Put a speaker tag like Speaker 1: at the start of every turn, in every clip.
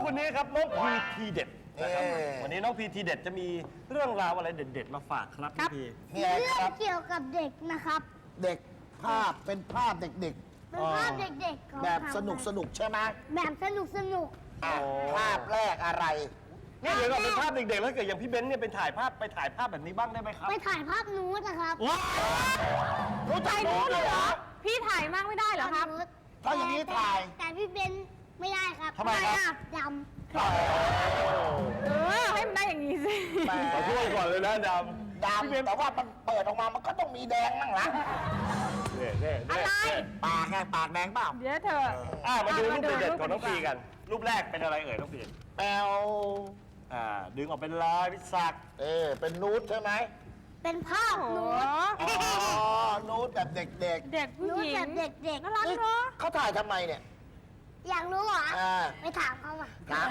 Speaker 1: คนนี้ครับน้องพีทีเด็ดนะครับวันนี้น้องพีทีเด็ดจะมีเรื่องราวอะไรเด็ดๆมาฝากครับพี่พี
Speaker 2: เรื่องเกี่ยวกับเด็กนะครับ
Speaker 3: เด็กภาพเป็นภาพเด็ก
Speaker 2: เป็นภาพเด็กๆเขา
Speaker 3: ๆ แบบสนุกใช่ไหม
Speaker 2: แบบสนุก
Speaker 3: ภาพแรกอะไร
Speaker 1: นี่เดี๋ยวเราเป็นภาพเด็กๆแล้วเกิดอย่างพี่เบนซ์เนี่ยไปถ่ายภาพแบบนี้บ้างได้ไหมครับ
Speaker 2: ไปถ่ายภาพนูดนะครับ
Speaker 1: ว้าวรู้จักนู้นเลยเหรอ
Speaker 4: พี่ถ่ายมากไม่ได้เหรอครับ
Speaker 2: นูด
Speaker 3: ถ้าอย่างนี้ถ่าย
Speaker 2: แต่พี่เบนไม่ได้ครับ
Speaker 1: ทำไมครับ
Speaker 2: ด
Speaker 4: ให้มันได้อย่างนี้สิ
Speaker 3: แหม
Speaker 1: ขอโทษก่อนเลยนะด
Speaker 3: ดำแต่ว่ามันเปิดออกมามันก็ต้องมีแดงบ้างละ
Speaker 1: ำเนี่ย
Speaker 4: อะไร
Speaker 3: ปากไงปากแดงเปล่า
Speaker 4: เดี๋ยวเธอ
Speaker 1: มาดูรูปเด็ดๆของน้องพีกัน รูปแรกเป็นอะไรเอ่ยน้องพี
Speaker 3: แปลว
Speaker 1: ดึงออกเป็นลายพิศักดิ์
Speaker 3: เป็นนูดใช่ไหม
Speaker 2: ำเป็นภาพ
Speaker 4: โอ้โห
Speaker 2: นูด
Speaker 3: อ๋อนูดแบบเด็ก
Speaker 4: เด็กผู้
Speaker 2: นู
Speaker 4: ห
Speaker 2: ด
Speaker 4: ญิ
Speaker 2: แบ
Speaker 4: ง
Speaker 2: บเด็ก
Speaker 4: น่ารัก
Speaker 3: ๆ
Speaker 4: เนาะ
Speaker 3: เขาถ่ายทำไมเนี่ย
Speaker 2: อยากรู้เหรอ ไปถามเขามา
Speaker 3: ครับ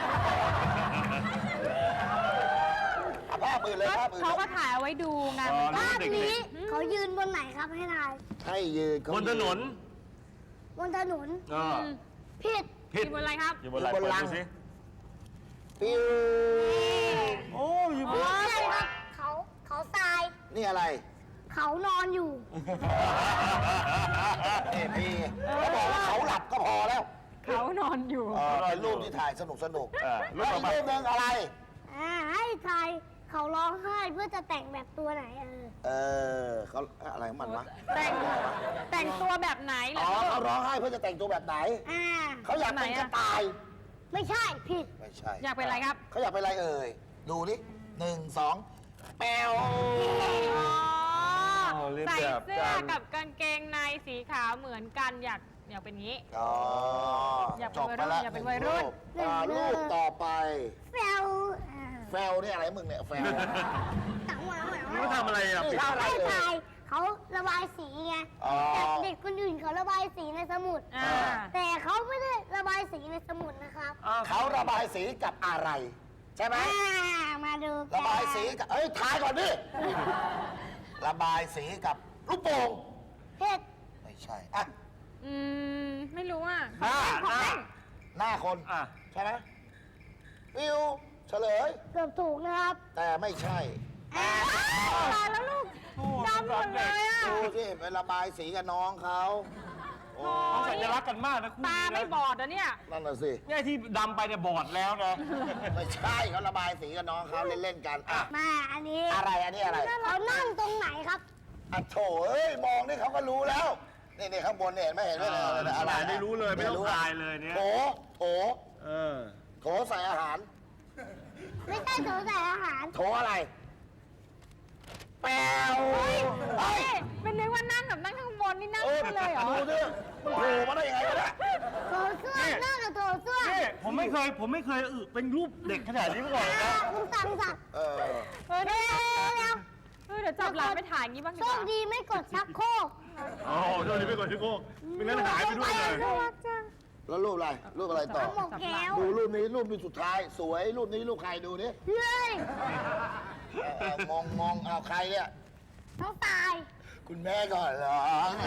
Speaker 3: ภาพอื่นเลยภาพอื่น
Speaker 4: เขาก็ถ่ายเอาไว้ดูไง
Speaker 2: ภาพนี้เขายืนบนไหนครับให้ทาย
Speaker 3: ให้ยืน
Speaker 1: บนถนน
Speaker 2: บนถนน ผิด
Speaker 1: ผิด
Speaker 4: อยู่บนอะไรครับ
Speaker 1: อยู่บนอะไรเปิดดูสิ
Speaker 3: ปิ้ว
Speaker 1: โอ้อยู่บน
Speaker 2: ใช่ครับเขาทราย
Speaker 3: นี่อะไร
Speaker 2: เขานอนอยู่
Speaker 3: พี่เขาบอกว่าเขาหลับก็พอแล้ว
Speaker 4: เขานอนอยู่
Speaker 3: เป็นรูปที่ถ่ายสนุก
Speaker 1: รูป
Speaker 3: แล้ว
Speaker 1: ต่อ
Speaker 3: อีก
Speaker 1: ไป
Speaker 3: รูปหนึงอะไร
Speaker 2: ให้ทายเขาร้องไห้เพื่อจะแต่งแบบตัวไหน
Speaker 3: เขาอะไรของมันวะ
Speaker 4: แต่งตัวแบบไหนเหร
Speaker 3: อ๋
Speaker 4: อ
Speaker 3: อเขาร้องไห้เพื่อจะแต่งตัวแบบไหน เขาอยากเป็นกระต่าย
Speaker 2: ไม่ใช่ผิด
Speaker 3: ไม่ใช่
Speaker 4: อยากเป็นอะไรครับ
Speaker 3: เขาอยากเป็นอะไรเอ่ย ดูนี่1 2 แปว
Speaker 4: ใส่เสื้อกับกางเกงในสีขาวเหมือนกันอยากเป็นงี้
Speaker 3: อ๋อ
Speaker 4: อยาก
Speaker 3: จ
Speaker 4: เป็น
Speaker 3: บ
Speaker 4: วัยรุ่น
Speaker 3: ไปแล้ว
Speaker 4: อยากเป็นวัยรุ่น
Speaker 3: รูปต่อไป
Speaker 2: แฟว
Speaker 3: แฟลนี่อะไรมึงเนี่ยแฟล
Speaker 2: ตังหวา
Speaker 1: นี่เขาทำอะไรอ่ะปิด
Speaker 3: อะไร
Speaker 2: ให้
Speaker 3: เอ่
Speaker 2: ทาย ยเขาระบายสีไง
Speaker 3: อ๋อ
Speaker 2: แต่เด็กคนอื่นเขาระบายสีในสมุด แต่เขาไม่ได้ระบายสีในสมุดนะครับ
Speaker 3: เขาระบายสีกับอะไร ใช่ไหม
Speaker 2: มาดูกัน
Speaker 3: ระบายสีกับทายก่อนดิ ระบายสีกับลูกโป่ง
Speaker 2: เผ็ด
Speaker 3: ไม่ใช่อ่ะ
Speaker 4: ไม่รู้อ่ะ
Speaker 3: หน้าคน ใช่ไหมวิวเฉลย
Speaker 2: เกือบถูกนะครับ
Speaker 3: แต่ไม่ใช่
Speaker 4: ตายแล้วลูกดำหมดเลยอ่ะ
Speaker 3: ดูสิไประบายสีกับน้องเขาโอ้
Speaker 1: เขาสัญลักษณ์กันมากนะคู่
Speaker 4: ตา
Speaker 1: นี้
Speaker 4: ไม่
Speaker 1: นะ
Speaker 4: บอดนะเนี่ย
Speaker 3: นั่นน่ะสิ
Speaker 1: เนี่ยที่ดำไปเนี่ยบอดแล้วนะ
Speaker 3: ไม่ใช่เขาระบายสีกับน้องเขาเล่นๆกันอ่ะ
Speaker 2: มาอันนี้
Speaker 3: อะไรอันนี้อะไร
Speaker 2: เขานั่งตรงไหนครับ
Speaker 3: อ่ะโถเอ้ยมองนี่เขาก็รู้แล้ว นี่ข้างบนเนี่ยเห็นไหมอะไร
Speaker 1: ไม่รู้เลยไม่ต้องทายเลยเนี่ย
Speaker 3: โถโถ
Speaker 1: เออ
Speaker 3: โถใส่อาหาร
Speaker 2: ไม่ใช่โถใส่อาหาร
Speaker 3: โถอะไร แปว
Speaker 4: เฮ้ยเป็นนึกว่านั่งแบบนั่งข้างบนนี่นั่งขึ้นเลยเหรอ
Speaker 3: ดูดิมันโผล่มาได้ยังไงวะเนี่ย
Speaker 2: โถเสื้อนั่งกับโถเสื้อ
Speaker 1: นี่ผมไม่เคยเป็นรูปเด็กขนาดนี้มาก่อนนะ
Speaker 2: คุณสั่งสัก
Speaker 3: เออ
Speaker 2: เดี๋ยว
Speaker 4: เดี๋ยวจับหลานไปถ่ายงี้บ้างดี
Speaker 2: โช
Speaker 4: ก
Speaker 2: ค
Speaker 4: ว่า
Speaker 2: ดีไม่กดชักโครก
Speaker 1: โอ้โหโดนนี้ไปก่อนชิโก้ไม่งั้นหายไปด้วยเลย
Speaker 2: น่ารักจัง
Speaker 3: แล้วรูปอะไร รูปอะไรต่อ
Speaker 2: หมกแก้ว
Speaker 3: ดูรูปนี้สุดท้าย สวย รูปนี้รูปใครดูนี่
Speaker 2: เฮ้ย
Speaker 3: มองเอาใครเนี่ย
Speaker 2: ต้องตาย
Speaker 3: คุณแม่ก่อนเหรอ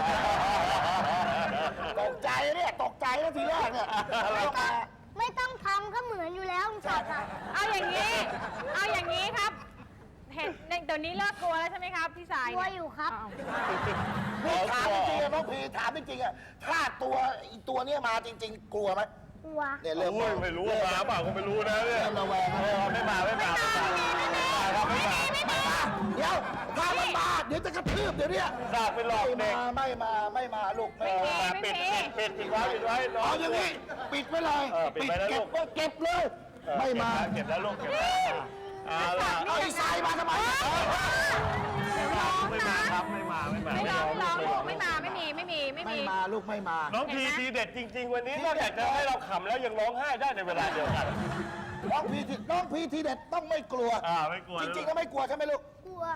Speaker 3: ตกใจเนี่ยตกใจแล้วทีแรกเนี่ยอะไรมา
Speaker 2: ไม่ต้องทำก็เหมือนอยู่แล้วคุณสั่งสัก
Speaker 4: เอาอย่างนี้ครับเห็นเดี๋ยวนี้เลิกกลัวแล้วใช่ไหมครับพี่สาย
Speaker 2: กลัวอยู่ครับ
Speaker 3: พี่ถามจริงๆอะน้องพีถามจริงๆอะถ้าตัวเนี้ยมาจริง ๆ กลัวไหม
Speaker 2: กลัว
Speaker 3: เนี่ยเริ่ม
Speaker 1: ไม่รู้ว่ามาเปล่าก็ไม่รู้นะเนี่ย
Speaker 3: เริ่มระแวง
Speaker 1: ไม่มาครับไม่มา
Speaker 3: เดี๋ยวถ้ามันมาเดี๋ยวจะกระทืบเดี๋ยวเนี้ย
Speaker 1: สากเป็นหลอกเด็ก
Speaker 3: ไม่มาลูก
Speaker 1: ปิดไว้น้อ
Speaker 3: เอา
Speaker 1: ง
Speaker 3: อย่างนี้ปิดไว้เลย
Speaker 1: ปิดไว้นะ
Speaker 3: เก็
Speaker 1: ลู
Speaker 3: บ
Speaker 1: ก
Speaker 3: ไว้เก็บเลย ไม่มา
Speaker 1: เก็บแล้วลูกเก็บแล้วเอาล่ะ
Speaker 3: เอาไอ้ทรายมาทำไม
Speaker 1: ไม่มาครับไม่มา
Speaker 4: ไม่ร้องลูกไม่มาไม่มี
Speaker 3: ไม่มาลูกไม่มา
Speaker 1: น้องพีทีเด็ดจริง ๆ วันนี้นอกจากจะให้เราขำแล้วยังร้องไห้ได้ในเวลาเดียวกัน
Speaker 3: น้องพีทีเด็ดต้องไม่กลัว
Speaker 1: ไม่กลัว
Speaker 3: จริงๆแล้วไม่กลัวใช่ไหมลูก
Speaker 2: กลัว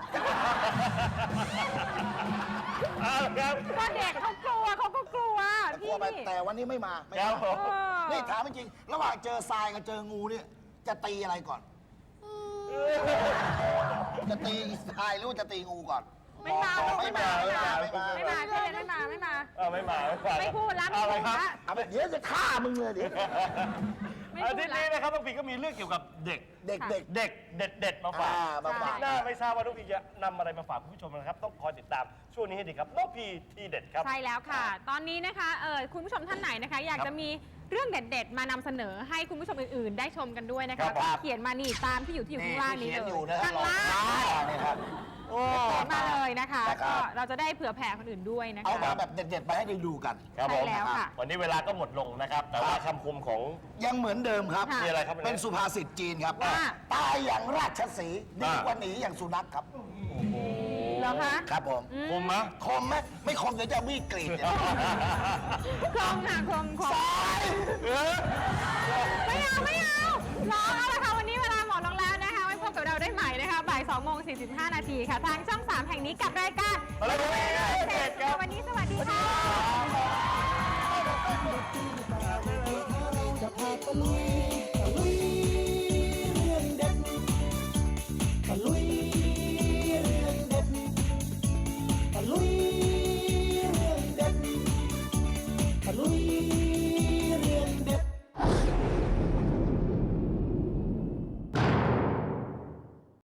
Speaker 1: ครับ
Speaker 4: ก็เด็กเขากลัวเขาก็กลัว
Speaker 3: ก
Speaker 4: พี่
Speaker 3: ลัวไปแต่วันนี้ไม่มาไม่
Speaker 1: ครั
Speaker 3: มา
Speaker 1: บผม
Speaker 3: นี่ถามจริงๆระหว่างเจอทรายกับเจองูเนี่ยจะตีอะไรก่อน จะตีทรายหรือว่าจะตีงูก่อน
Speaker 4: ไม่มา
Speaker 3: ไม่มา
Speaker 4: แค่เด็กไม่มา
Speaker 1: ไม่มา
Speaker 4: ไม่พูดแล้วไม่
Speaker 1: อะไร
Speaker 4: พูด
Speaker 1: ครับ
Speaker 4: แล้ว
Speaker 3: เอาไปเดี๋ยวจะฆ่ามึงเลยเดี๋ยว
Speaker 4: ไม่ไม่พูด
Speaker 1: อาทิตย์
Speaker 4: ละ
Speaker 1: นี้นะครับน้องพีก็มีเรื่องเกี่ยวกับเด็ก
Speaker 3: เด็ก
Speaker 1: เด็กเด็ดๆมาฝาก
Speaker 3: มาฝาก
Speaker 1: น่าไม่ทราบว่าน้องพีจะนำอะไรมาฝากคุณผู้ชมนะครับ ต้องคอยติดตามช่วงนี้ให้ดีครับน้องพีทีเด็ดครับ
Speaker 4: ใช่แล้วค่ะ ตอนนี้นะคะคุณผู้ชมท่านไหนนะคะ อยากจะมีเรื่องเด็ด ๆ มานำเสนอให้คุณผู้ชมอื่น ๆ ได้ชมกันด้วยนะ
Speaker 1: ครั
Speaker 4: คะ
Speaker 1: บ
Speaker 4: ก็เขียนมานี่ตามที่อยู่ข้างล่างนี้
Speaker 3: เขียน
Speaker 4: เล
Speaker 3: อยู่
Speaker 4: ย
Speaker 3: นะครั
Speaker 4: ข้างล่าง
Speaker 3: นี่ครับ โอ้
Speaker 4: เขียนมาเลยนะคะ
Speaker 3: นะครับ
Speaker 4: ก็เราจะได้เผื่อแผ่คนอื่นด้วยนะคะ
Speaker 3: เอามาแบบเด็ดๆมาให้ได้ดูกัน
Speaker 1: ครับผม
Speaker 4: ใช่แล้วค่ะ
Speaker 1: วันนี้เวลาก็หมดลงนะครับ แต่ว่าคำคมของ
Speaker 3: ยังเหมือนเดิมครับ
Speaker 4: ค่ะ
Speaker 1: มีอะไรครับวันนี้
Speaker 3: เป็นสุภาษิตจีนครับ
Speaker 4: ว่า
Speaker 3: ตายอย่างราชสีห์ดีกว่าหนีอย่างสุนัขครับ
Speaker 4: เหรอคะ
Speaker 3: ครับผม
Speaker 1: คมมะ
Speaker 3: คมไหมไม่คมเดี๋ยวจะมีดกรีดเนี่ย
Speaker 4: คลองค่ะคลอง
Speaker 3: สาย
Speaker 4: ไม่เอารอเอาละค่ะวันนี้เวลาหมดลงแล้วนะคะไว้พบกับเราได้ใหม่นะคะบ่าย2:45 นาทีค่ะ ทางช่อง 3 แห่งนี้กับรายการ
Speaker 1: อะไรกัน